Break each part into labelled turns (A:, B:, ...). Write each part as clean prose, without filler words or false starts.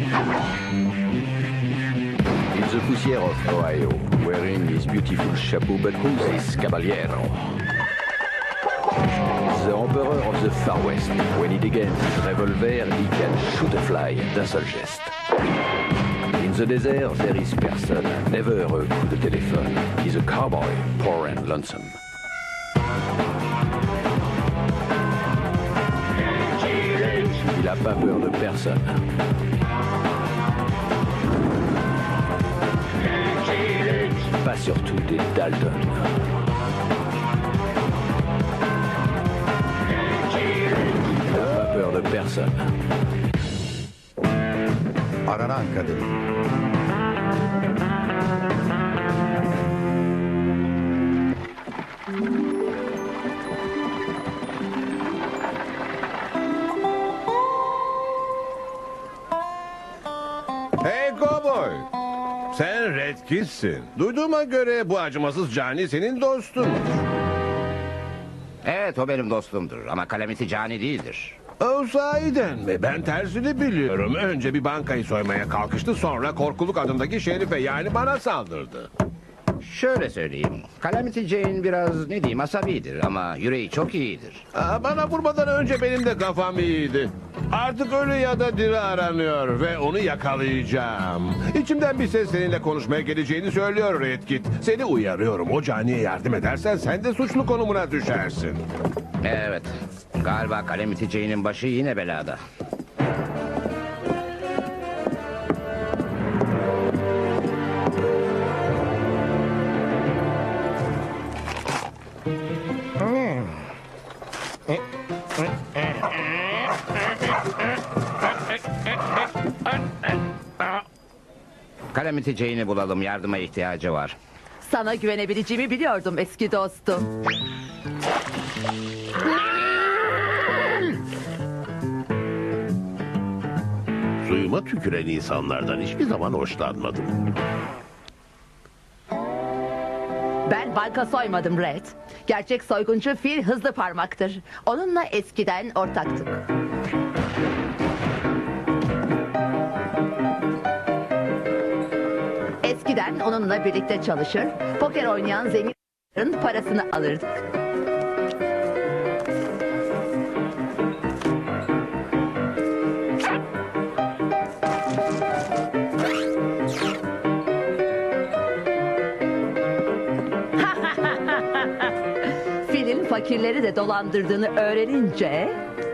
A: In the poussière of Ohio, wearing his beautiful chapeau, but who's this caballero? The emperor of the Far West. When he degains his revolver, he can shoot a fly d'un seul geste. In the desert, there is person, never a coup de téléphone. He's a cowboy, poor and lonesome. Il n'a pas peur de personne. Pas surtout des Dalton. Il n'a pas peur de personne.
B: Aranan kadın.
C: Hey kovboy! Sen Red Kid'sin. Duyduğuma göre bu acımasız cani senin dostun.
D: Evet, o benim dostumdur ama Calamity cani değildir.
C: O sahiden mi? Ben tersini biliyorum. Önce bir bankayı soymaya kalkıştı, sonra Korkuluk adındaki şerife, yani bana saldırdı.
D: Şöyle söyleyeyim, Calamity Jane biraz ne diyeyim asabidir ama yüreği çok iyidir.
C: Bana vurmadan önce benim de kafam iyiydi. Artık ölü ya da diri aranıyor ve onu yakalayacağım. İçimden bir ses seninle konuşmaya geleceğini söylüyor Red Kit. Seni uyarıyorum, o caniye yardım edersen sen de suçlu konumuna düşersin.
D: Evet, galiba Calamity Jane'in başı yine belada. Calamity Jane'i bulalım, yardıma ihtiyacı var.
E: Sana güvenebileceğimi biliyordum eski dostum.
F: Suyuma tüküren insanlardan hiçbir zaman hoşlanmadım.
E: Ben banka soymadım Red. Gerçek soyguncu Phil Hızlı Parmak'tır. Onunla eskiden ortaktık. Eskiden onunla birlikte çalışır, poker oynayan zenginlerin parasını alırdık. Phil'in fakirleri de dolandırdığını öğrenince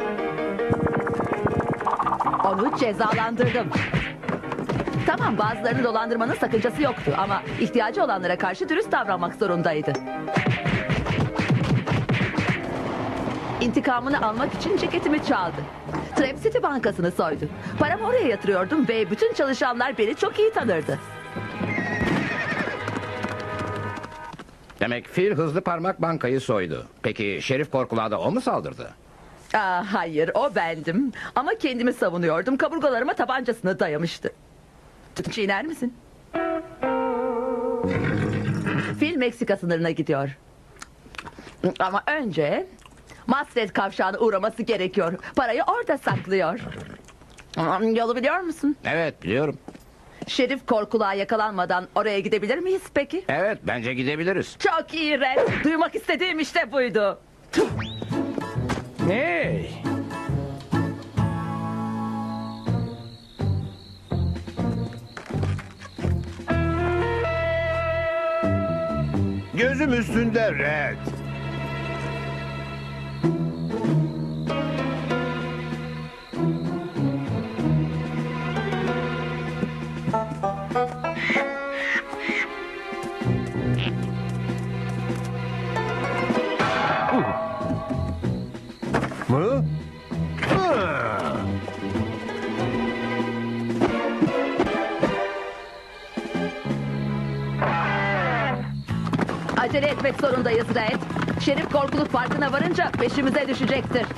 E: onu cezalandırdım. Tamam, bazılarını dolandırmanın sakıncası yoktu ama ihtiyacı olanlara karşı dürüst davranmak zorundaydı. İntikamını almak için ceketimi çaldı. Trap City Bankası'nı soydu. Paramı oraya yatırıyordum ve bütün çalışanlar beni çok iyi tanırdı.
D: Demek Phil Hızlı Parmak bankayı soydu. Peki Şerif Korkuluğa da o mu saldırdı?
E: Hayır, o bendim. Ama kendimi savunuyordum. Kaburgalarıma tabancasını dayamıştı. Çiğner misin? Phil Meksika sınırına gidiyor. Ama önce Masred kavşağına uğraması gerekiyor. Parayı orada saklıyor. Yolu biliyor musun?
D: Evet, biliyorum.
E: Şerif Korkuluğa yakalanmadan oraya gidebilir miyiz peki?
D: Evet, bence gidebiliriz.
E: Çok iyi Red. Duymak istediğim işte buydu.
G: Hey!
C: Gözüm üstünde Red. Mı?
E: Acele etmek zorundayız Red. Şerif Korkuluk farkına varınca peşimize düşecektir.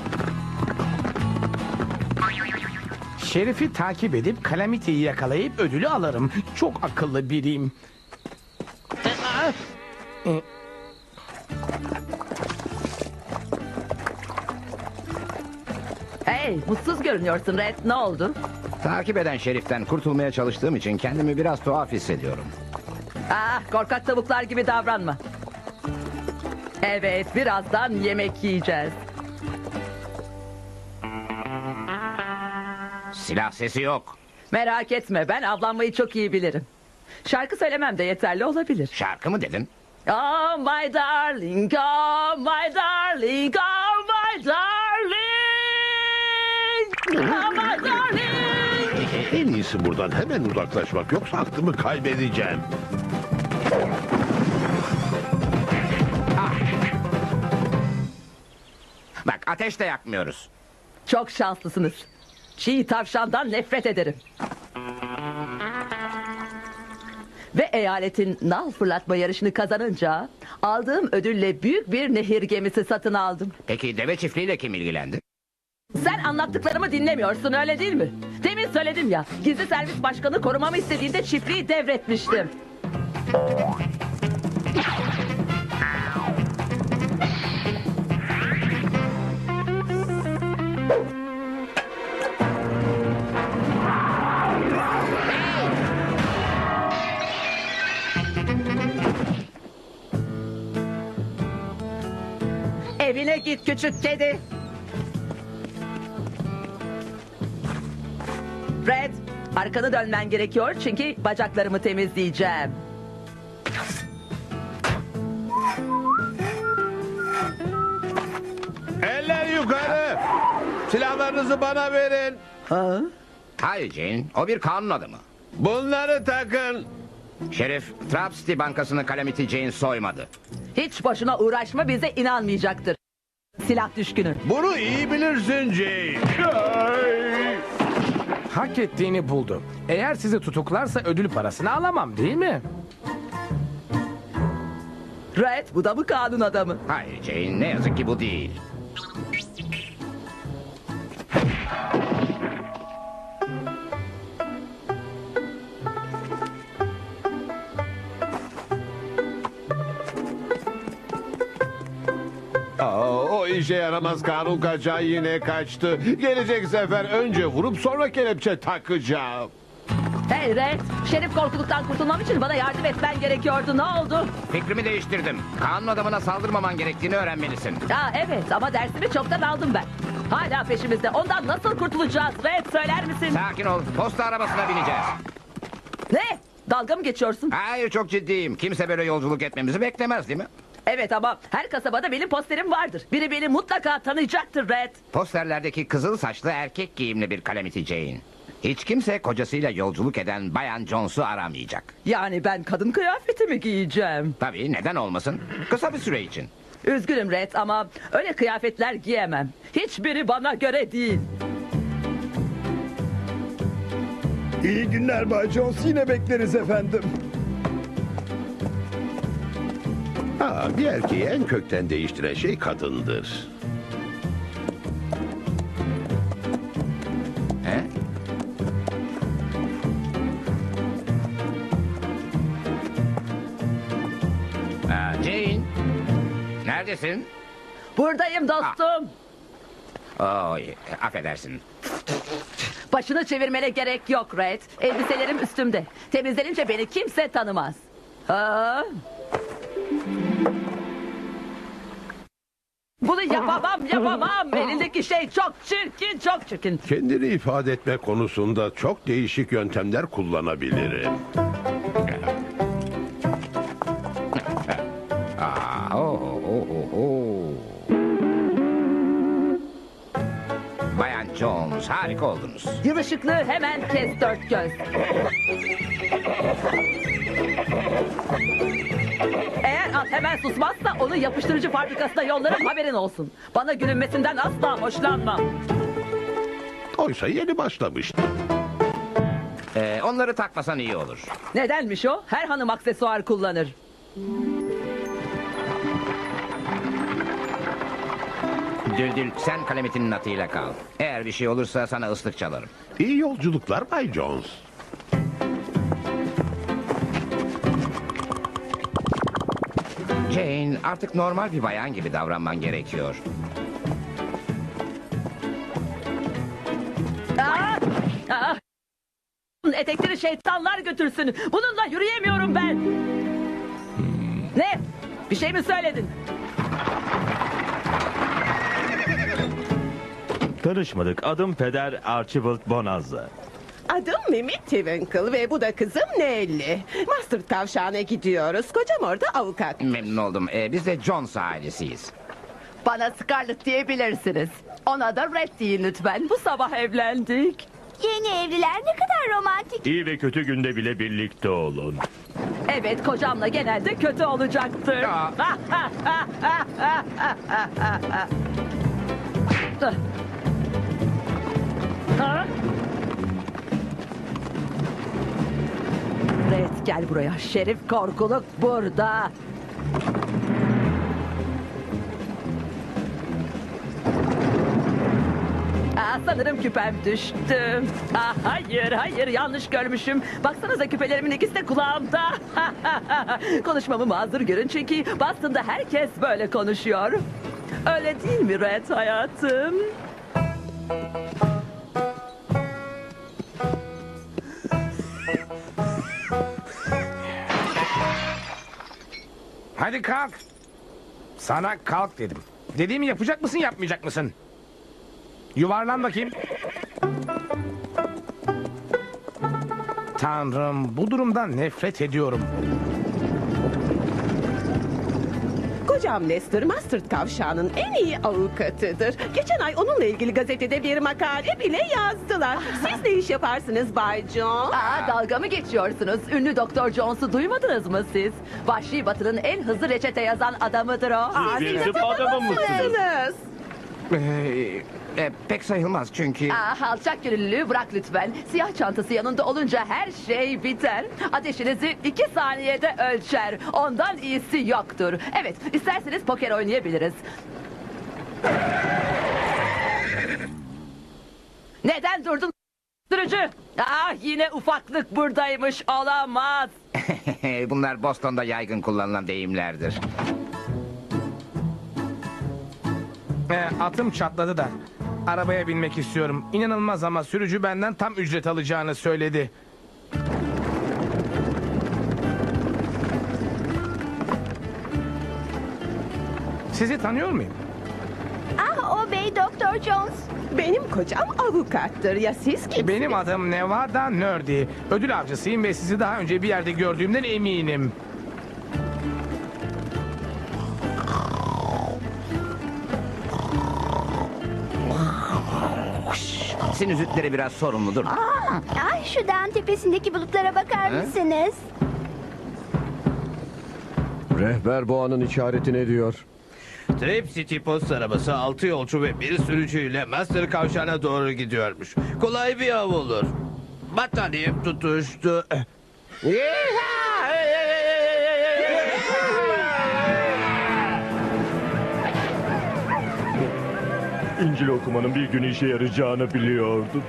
G: Şerif'i takip edip Calamity'yi yakalayıp ödülü alırım. Çok akıllı biriyim.
E: Hey, mutsuz görünüyorsun Red. Ne oldu?
D: Takip eden şeriften kurtulmaya çalıştığım için kendimi biraz tuhaf hissediyorum.
E: Korkak tavuklar gibi davranma. Evet, birazdan yemek yiyeceğiz.
D: Silah sesi yok.
E: Merak etme, ben avlanmayı çok iyi bilirim. Şarkı söylemem de yeterli olabilir.
D: Şarkı mı dedin?
E: Oh my darling, oh my darling, oh my darling. Oh my darling.
F: En iyisi buradan hemen uzaklaşmak, yoksa aklımı kaybedeceğim.
D: Bak, ateş de yakmıyoruz.
E: Çok şanslısınız. Çiğ tavşandan nefret ederim. Ve eyaletin nal fırlatma yarışını kazanınca aldığım ödülle büyük bir nehir gemisi satın aldım.
D: Peki deve çiftliğiyle kim ilgilendi?
E: Sen anlattıklarımı dinlemiyorsun, öyle değil mi? Demin söyledim ya, gizli servis başkanı korumamı istediğinde çiftliği devretmiştim. Evine git küçük kedi. Fred, arkanı dönmen gerekiyor çünkü bacaklarımı temizleyeceğim.
C: Eller yukarı. Silahlarınızı bana verin.
E: Ha?
D: Hayır Jane, o bir kanun adamı.
C: Bunları takın.
D: Şerif, Trap City Bankası'nı Calamity Jane soymadı.
E: Hiç boşuna uğraşma, bize inanmayacaktır. Silah düşkünü.
C: Bunu iyi bilirsin Jane. Ay!
G: Hak ettiğini buldu. Eğer sizi tutuklarsa ödül parasını alamam, değil mi?
E: Red, bu da mı kanun adamı?
D: Hayır Jane, ne yazık ki bu değil.
C: O işe yaramaz kanun kaçağı yine kaçtı. Gelecek sefer önce vurup sonra kelepçe takacağım.
E: Hey Red, Şerif korkuluktan kurtulmam için bana yardım etmen gerekiyordu. Ne oldu?
D: Fikrimi değiştirdim. Kanun adamına saldırmaman gerektiğini öğrenmelisin.
E: Evet, ama dersimi çoktan aldım ben. Hala peşimizde. Ondan nasıl kurtulacağız Red, söyler misin?
D: Sakin ol, posta arabasına bineceğiz.
E: Ne? Dalga mı geçiyorsun?
D: Hayır, çok ciddiyim. Kimse böyle yolculuk etmemizi beklemez değil mi?
E: Evet, ama her kasabada benim posterim vardır. Biri beni mutlaka tanıyacaktır Red.
D: Posterlerdeki kızıl saçlı erkek giyimli bir Calamity Jane. Hiç kimse kocasıyla yolculuk eden Bayan Jones'u aramayacak.
E: Yani ben kadın kıyafeti mi giyeceğim?
D: Tabii, neden olmasın? Kısa bir süre için.
E: Üzgünüm Red, ama öyle kıyafetler giyemem. Hiçbiri bana göre değil.
H: İyi günler Bay Jones. Yine bekleriz efendim.
F: Bir erkeği en kökten değiştiren şey kadındır.
D: He? Jane, neredesin?
E: Buradayım dostum.
D: Affedersin.
E: Başını çevirmene gerek yok Red. Elbiselerim üstümde. Temizlenince beni kimse tanımaz. Ha? Bunu yapamam. Elindeki şey çok çirkin.
F: Kendini ifade etme konusunda çok değişik yöntemler kullanabilirim.
D: Bayan Jones, harika oldunuz.
E: Yıl ışıklı hemen kes dört göz. Eğer at hemen susmazsa onu yapıştırıcı fabrikasına yollarım, haberin olsun. Bana gülünmesinden asla hoşlanmam.
F: Oysa yeni başlamıştı.
D: Onları takmasan iyi olur.
E: Nedenmiş o? Her hanım aksesuar kullanır.
D: Düldül, sen Calamity'nin atıyla kal. Eğer bir şey olursa sana ıslık çalarım.
F: İyi yolculuklar Bay Jones.
D: Jane, artık normal bir bayan gibi davranman gerekiyor.
E: Aa! etekleri şeytanlar götürsün. Bununla yürüyemiyorum ben. Ne? Bir şey mi söyledin?
I: Tanışmadık. Adım Peder Archibald Bonanza.
J: Adım Mimi Twinkle ve bu da kızım Nelly. Master Tavşan'a gidiyoruz. Kocam orada avukat.
D: Memnun oldum. Biz de Jones ailesiyiz.
E: Bana Scarlett diyebilirsiniz. Ona da Red deyin lütfen. Bu sabah evlendik.
K: Yeni evliler ne kadar romantik.
I: İyi ve kötü günde bile birlikte olun.
E: Evet, kocamla genelde kötü olacaktır. Ha? Red, gel buraya. Şerif Korkuluk burada. Sanırım küpem düştü. Hayır, yanlış görmüşüm. Baksanıza, küpelerimin ikisi de kulağımda. Konuşmamı mazur görün çünkü Boston'da herkes böyle konuşuyor. Öyle değil mi Red hayatım?
G: Hadi kalk. Sana kalk dedim. Dediğimi yapacak mısın, yapmayacak mısın? Yuvarlan bakayım. Tanrım, bu durumdan nefret ediyorum.
J: Kocam Lester, Master Tavşan'ın en iyi avukatıdır. Geçen ay onunla ilgili gazetede bir makale bile yazdılar. Siz ne iş yaparsınız Bay Jones?
E: Dalga mı geçiyorsunuz? Ünlü Doktor Jones'u duymadınız mı siz? Vahşi Batı'nın en hızlı reçete yazan adamıdır o.
I: Bir tıp adamı mısınız?
D: Pek sayılmaz çünkü...
E: Alçak gönüllülüğü bırak lütfen. Siyah çantası yanında olunca her şey biter. Ateşinizi 2 saniyede ölçer. Ondan iyisi yoktur. Evet, isterseniz poker oynayabiliriz. Neden durdun sürücü? Yine ufaklık buradaymış, olamaz.
D: Bunlar Boston'da yaygın kullanılan deyimlerdir.
G: Atım çatladı da. Arabaya binmek istiyorum. İnanılmaz ama sürücü benden tam ücret alacağını söyledi. Sizi tanıyor muyum?
K: O bey Doktor Jones.
J: Benim kocam avukattır. Ya siz kimsiniz?
G: Benim adım Nevada Nerdy. Ödül avcısıyım ve sizi daha önce bir yerde gördüğümden eminim.
D: Sinüzitleri biraz sorumludur.
K: Şu dağın tepesindeki bulutlara bakar mısınız?
C: Rehber boğanın işareti ne diyor?
L: Trip City post arabası 6 yolcu ve bir sürücüyle Master Kavşağı'na doğru gidiyormuş. Kolay bir av olur. Battaniyem tutuştu.
I: İncil okumanın bir gün işe yarayacağını biliyordum.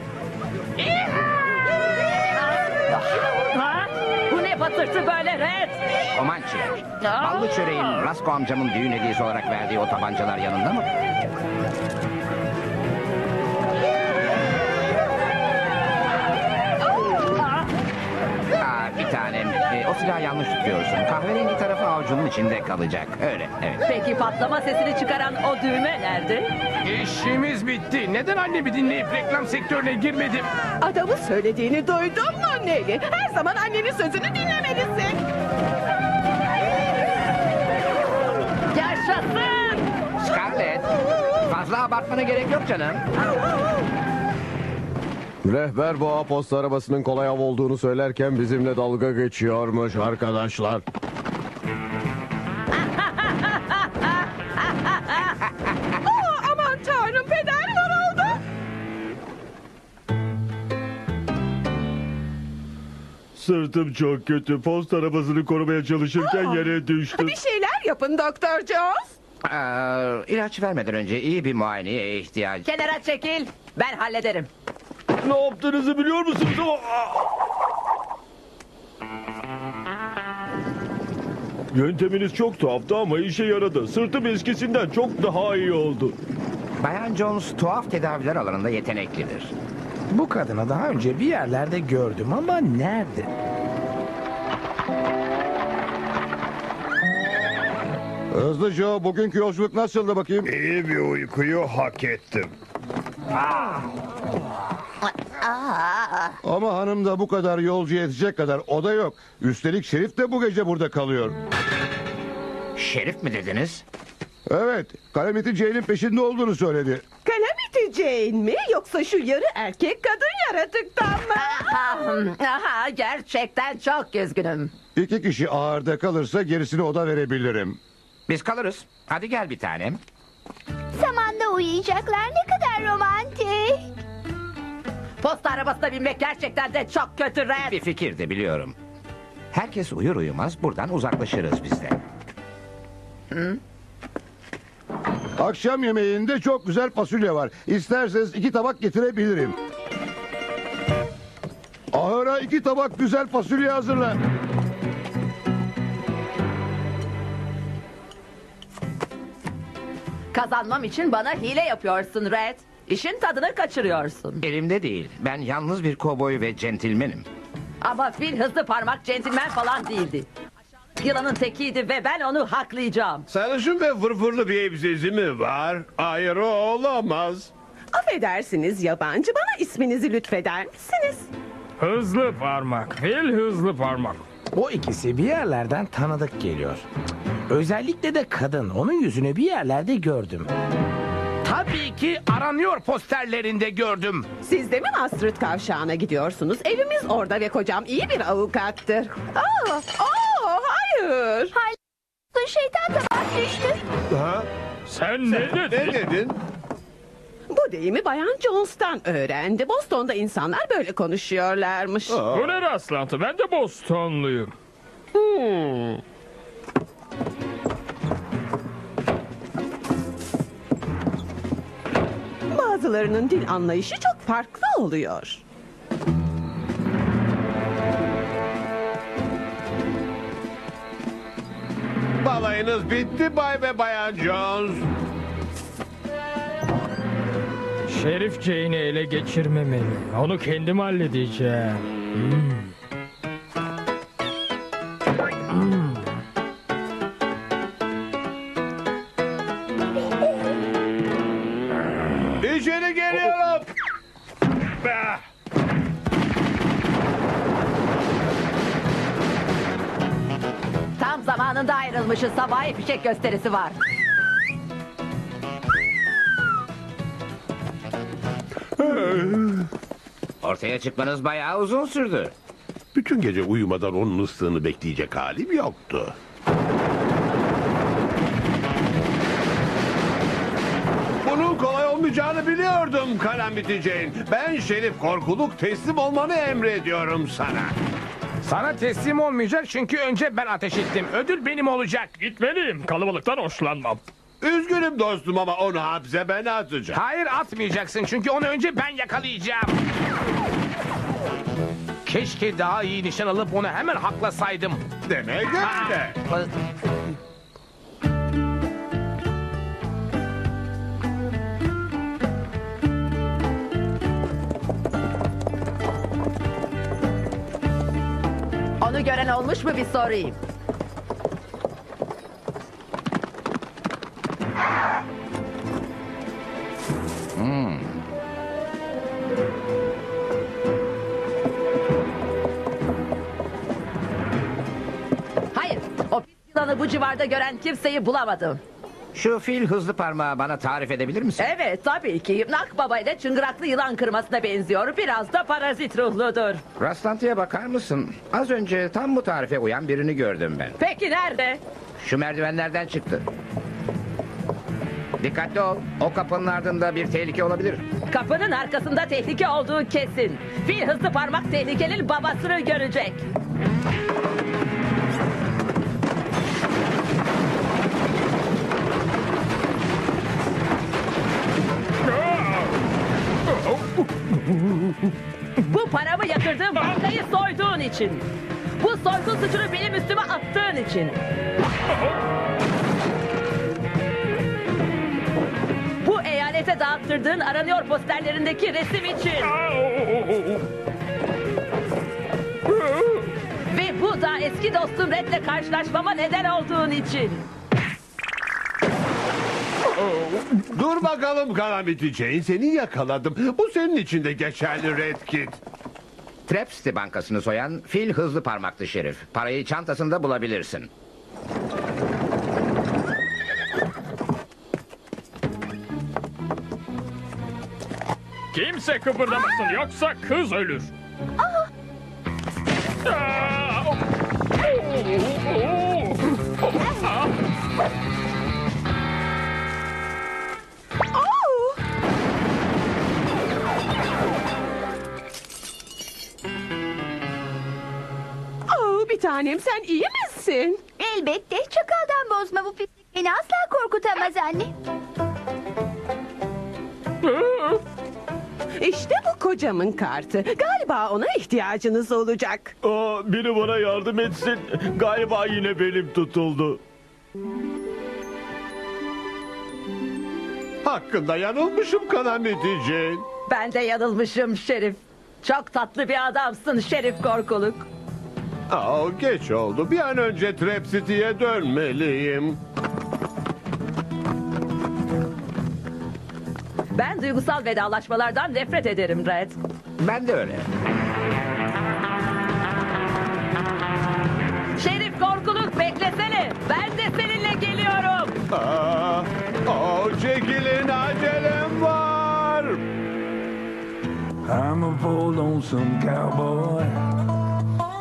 E: Bu ne patırtı böyle Red?
D: Comanche. Ballı çöreğin Rasko amcamın düğün hediyesi olarak verdiği o tabancalar yanında mı? Bir tanem. O silahı yanlış tutuyorsun. Kahverengi tarafı avucunun içinde kalacak. Öyle, evet.
E: Peki patlama sesini çıkaran o düğme nerede?
G: İşimiz bitti. Neden annemi dinleyip reklam sektörüne girmedim?
J: Adamın söylediğini duydun mu Nelly? Her zaman annenin sözünü dinlemelisin.
E: Yaşasın!
D: Scarlett, fazla abartmana gerek yok canım.
C: Rehber boğa posta arabasının kolay av olduğunu söylerken bizimle dalga geçiyormuş arkadaşlar.
J: Aman tanrım, peder yoruldu.
I: Sırtım çok kötü. Post arabasını korumaya çalışırken yere düştüm.
J: Bir şeyler yapın Doktor Jones.
D: İlaç vermeden önce iyi bir muayeneye ihtiyaç.
E: Kenara çekil. Ben hallederim.
I: Ne yaptığınızı biliyor musunuz? Yönteminiz çok tuhaftı ama işe yaradı. Sırtım eskisinden çok daha iyi oldu.
D: Bayan Jones tuhaf tedaviler alanında yeteneklidir.
G: Bu kadını daha önce bir yerlerde gördüm ama nerede?
B: Hızlı Joe, bugünkü yolculuk nasıldı bakayım?
H: İyi bir uykuyu hak ettim.
B: Ama hanımda bu kadar yolcu yetecek kadar oda yok. Üstelik Şerif de bu gece burada kalıyor.
D: Şerif mi dediniz?
B: Evet, Calamity Jane'in peşinde olduğunu söyledi.
J: Calamity Jane mi yoksa şu yarı erkek kadın yaratıktan mı?
E: Aha, gerçekten çok üzgünüm.
B: 2 kişi ağırda kalırsa gerisini oda verebilirim.
D: Biz kalırız. Hadi gel bir tanem.
K: Samanda uyuyacaklar, ne kadar romantik.
E: Posta arabasına binmek gerçekten de çok kötü Red.
D: Bir fikirdi biliyorum. Herkes uyur uyumaz buradan uzaklaşırız biz de.
B: Akşam yemeğinde çok güzel fasulye var. İsterseniz 2 tabak getirebilirim. Ahıra 2 tabak güzel fasulye hazırla.
E: Kazanmam için bana hile yapıyorsun Red. İşin tadını kaçırıyorsun.
D: Elimde değil. Ben yalnız bir kovboy ve centilmenim.
E: Ama fil hızlı parmak centilmen falan değildi. Yılanın tekiydi ve ben onu haklayacağım.
C: Sarışın ve fırfırlı bir elbisesi mi var? Hayır, o olamaz.
J: Affedersiniz yabancı, bana isminizi lütfeder misiniz?
G: Hızlı parmak, fil hızlı parmak. O ikisi bir yerlerden tanıdık geliyor. Özellikle de kadın. Onun yüzünü bir yerlerde gördüm. Tabii ki aranıyor posterlerinde gördüm.
J: Siz de mi Astrid Kavşağı'na gidiyorsunuz? Evimiz orada ve kocam iyi bir avukattır. Hayır.
K: Şeytan tabak düştü.
C: Ha?
I: Sen ne
C: Ne
I: dedin?
C: dedin?
J: Bu deyimi Bayan Jones'tan öğrendi. Boston'da insanlar böyle konuşuyorlarmış.
I: Bu ne rastlantı? Ben de Bostonluyum.
J: Bazılarının dil anlayışı çok farklı oluyor.
C: Balayınız bitti Bay ve Bayan Jones.
I: Şerif Jane'i ele geçirmemeli. Onu kendim halledeceğim.
C: İçeri geliyorum.
E: Tam zamanında ayrılmışız. Sabah fişek gösterisi var.
D: Ortaya çıkmanız bayağı uzun sürdü.
F: Bütün gece uyumadan onun ıslığını bekleyecek halim yoktu.
C: Bunun kolay olmayacağını biliyordum Calamity Jane. Ben Şerif Korkuluk, teslim olmanı emrediyorum sana.
G: Sana teslim olmayacak çünkü önce ben ateş ettim. Ödül benim olacak.
I: Gitmeliyim. Kalabalıktan hoşlanmam.
C: Üzgünüm dostum ama onu hapse ben atacağım.
G: Hayır atmayacaksın çünkü onu önce ben yakalayacağım. Keşke daha iyi nişan alıp onu hemen haklasaydım.
C: Demek öyle.
E: Onu gören olmuş mu bir sorayım. Hayır, o pis yılanı bu civarda gören kimseyi bulamadım.
D: Şu fil hızlı parmağı bana tarif edebilir misin?
E: Evet, tabii ki. Nakbaba ile çıngıraklı yılan kırmasına benziyor. Biraz da parazit ruhludur.
D: Rastlantıya bakar mısın? Az önce tam bu tarife uyan birini gördüm ben.
E: Peki nerede?
D: Şu merdivenlerden çıktı. Dikkatli ol. O kapının ardında bir tehlike olabilir.
E: Kapının arkasında tehlike olduğu kesin. Fil hızlı parmak tehlikenin babasını görecek. Bu paramı yatırdığım bankayı soyduğun için. Bu soygun suçunu benim üstüme attığın için. Bu eyalet internete dağıttırdığın aranıyor posterlerindeki resim için. Ve bu da eski dostum Red'le karşılaşmama neden olduğun için.
C: Dur bakalım Calamity Jane, seni yakaladım. Bu senin için de geçerli Red Kit.
D: Trap City Bankası'nı soyan Fil Hızlı Parmaklı Şerif. Parayı çantasında bulabilirsin.
M: Kimse kıpırdamasın yoksa kız ölür.
J: Bir tanem, sen iyi misin?
K: Elbette. Çakaldan bozma bu pislik. Beni asla korkutamaz anne.
J: İşte bu kocamın kartı. Galiba ona ihtiyacınız olacak.
I: Biri bana yardım etsin. Galiba yine belim tutuldu.
C: Hakkında yanılmışım Calamity Jane.
E: Ben de yanılmışım Şerif. Çok tatlı bir adamsın Şerif Korkuluk.
C: Geç oldu. Bir an önce Trap City'ye dönmeliyim.
E: Ben duygusal vedalaşmalardan nefret ederim Red.
D: Ben de öyle.
E: Şerif Korkuluk beklesene. Ben de seninle geliyorum.
C: Çekilin, acelem var.
N: I'm a poor lonesome cowboy